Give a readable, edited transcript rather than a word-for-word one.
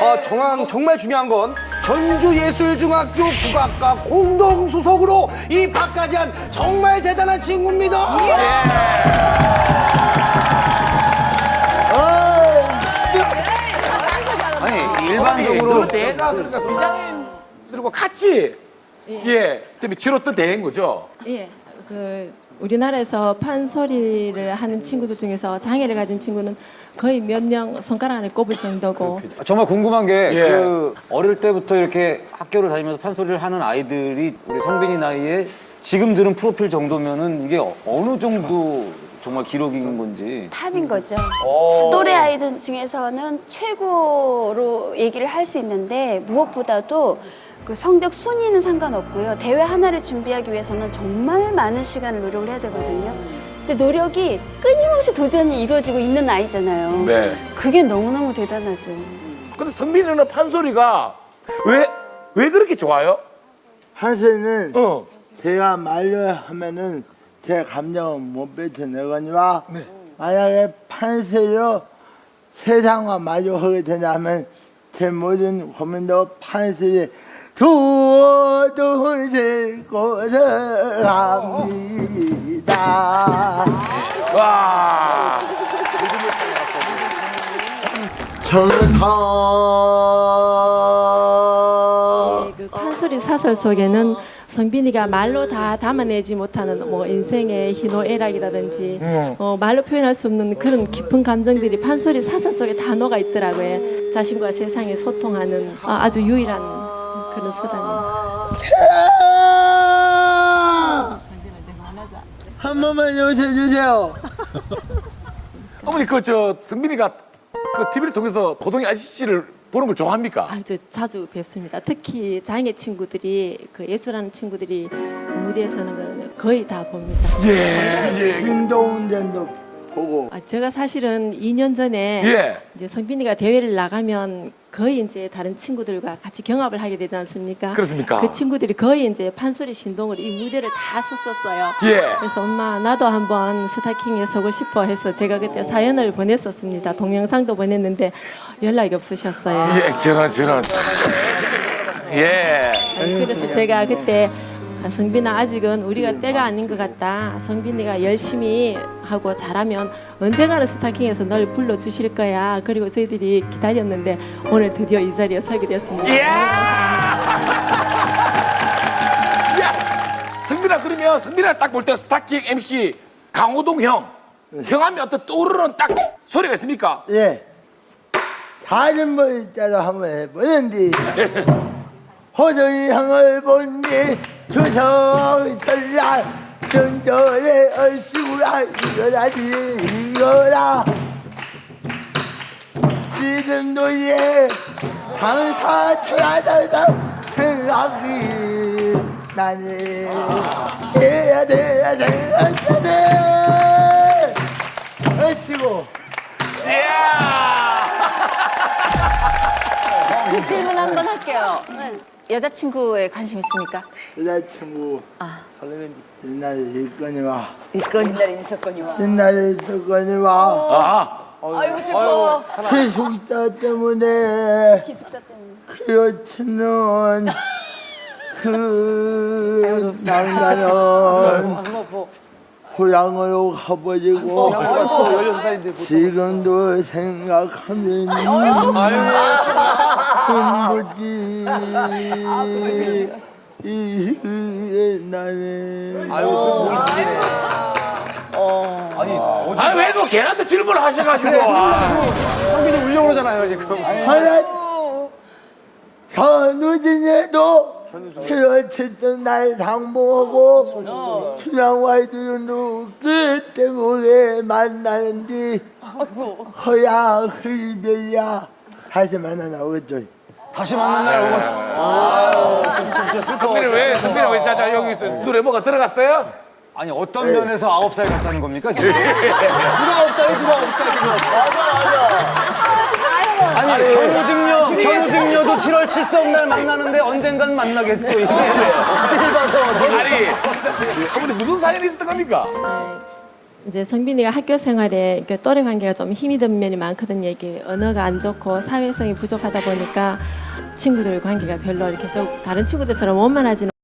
정말 중요한 건 전주예술중학교 국악과 공동수석으로 입학까지 한 정말 대단한 친구입니다. 아니 일반적으로 내가 그러니까 비장애인들과 같이 때문에 치렀던 대회인 거죠. 예, 우리나라에서 판소리를 하는 친구들 중에서 장애를 가진 친구는 거의 몇 명 손가락 안에 꼽을 정도고. 정말 궁금한 게 예. 그 어릴 때부터 이렇게 학교를 다니면서 판소리를 하는 아이들이 우리 성빈이 나이에 지금 들은 프로필 정도면은 이게 어느 정도 정말 기록인 건지. 탑인 거죠. 또래 아이들 중에서는 최고로 얘기를 할 수 있는데 무엇보다도 그 성적 순위는 상관없고요. 대회 하나를 준비하기 위해서는 정말 많은 시간을 노력을 해야 되거든요. 근데 노력이 끊임없이 도전이 이루어지고 있는 아이잖아요. 네. 그게 너무너무 대단하죠. 근데 성빈이는 판소리가 왜 그렇게 좋아요? 한세는 어. 제가 말로 하면은 제 감정을 못 뱉어내거니와 만약에 판세로 세상과 마주하게 된다면 제 모든 고민도 판세에 두어두실 곳을 합니다. 와. 그 판소리 사설 속에는 성빈이가 말로 다 담아내지 못하는 뭐 인생의 희노애락이라든지 말로 표현할 수 없는 그런 깊은 감정들이 판소리 사설 속에 다 녹아 있더라고요. 자신과 세상에 소통하는 아주 유일한 그런 수단입니다. 한 번만 요새주세요. 어머니 성빈이가 TV를 통해서 고동이 아저씨를 보는 걸 좋아합니까? 아주 자주 뵙습니다. 특히 장애 친구들이 예술하는 친구들이 무대에 서는 거는 거의 다 봅니다. 예. 김동훈 전도 보고 제가 사실은 2년 전에 예. 이제 성빈이가 대회를 나가면 거의 이제 다른 친구들과 같이 경합을 하게 되지 않습니까? 그렇습니까? 그 친구들이 거의 이제 판소리 신동으로 이 무대를 다 섰었어요. 예. 그래서 엄마 나도 한번 스타킹에 서고 싶어 해서 제가 그때 사연을 보냈었습니다. 동영상도 보냈는데 연락이 없으셨어요. 예, 저런. 예. 그래서 제가 그때 성빈아 아직은 우리가 때가 아닌 것 같다. 성빈이가 열심히 하고 잘하면 언젠가는 스타킹에서 널 불러주실 거야. 그리고 저희들이 기다렸는데 오늘 드디어 이 자리에 서게 됐습니다. 예. 야, 성빈아 성빈아 딱 볼 때 스타킹 MC 강호동 형 하면 어떤 떠오르는 딱 소리가 있습니까? 예. 다른 분 따라 한번 해보는데 호정이 향을 본니 주성 설날 정절의 얼씨구라 이거라 지금도 항상 찾아서 생각이 나네 해야 돼 얼씨구 질문 한번 할게요. 여자친구에 관심 있습니까? 여자친구 옛날에 있거니와 아이고 슬퍼. 기숙사 때문에 기숙사 때문에. 그렇지는 낭나는 고향으로 가버리고 지금도 생각하면 눈물이 나네. 왜 또 걔한테 질문을 하셔가지고. 성빈이 울려고 그러잖아요, 지금. 하나 현우진에도 그렇던 날 당봉하고 춘향와이도 그 때문에 만나는데 허야 흡이야 다시 만나 나오겠죠. 다시 만난 날 오고. 성빈이 왜 자자 여기 있어? 노래 뭐가 들어갔어요? 아니 어떤 면에서 9살 같다는 겁니까 지금? 누가 없어요, 지금. 아니 견우직녀도 7월 7석 날 만나는데 언젠간 만나겠죠. 이게 어떻게 봐서 아니, 어머니 무슨 사연이 있었던 겁니까? 이제 성빈이가 학교 생활에 그 또래 관계가 좀 힘이 든 면이 많거든요. 이게 언어가 안 좋고 사회성이 부족하다 보니까 친구들 관계가 별로 이렇게 해서 다른 친구들처럼 원만하지는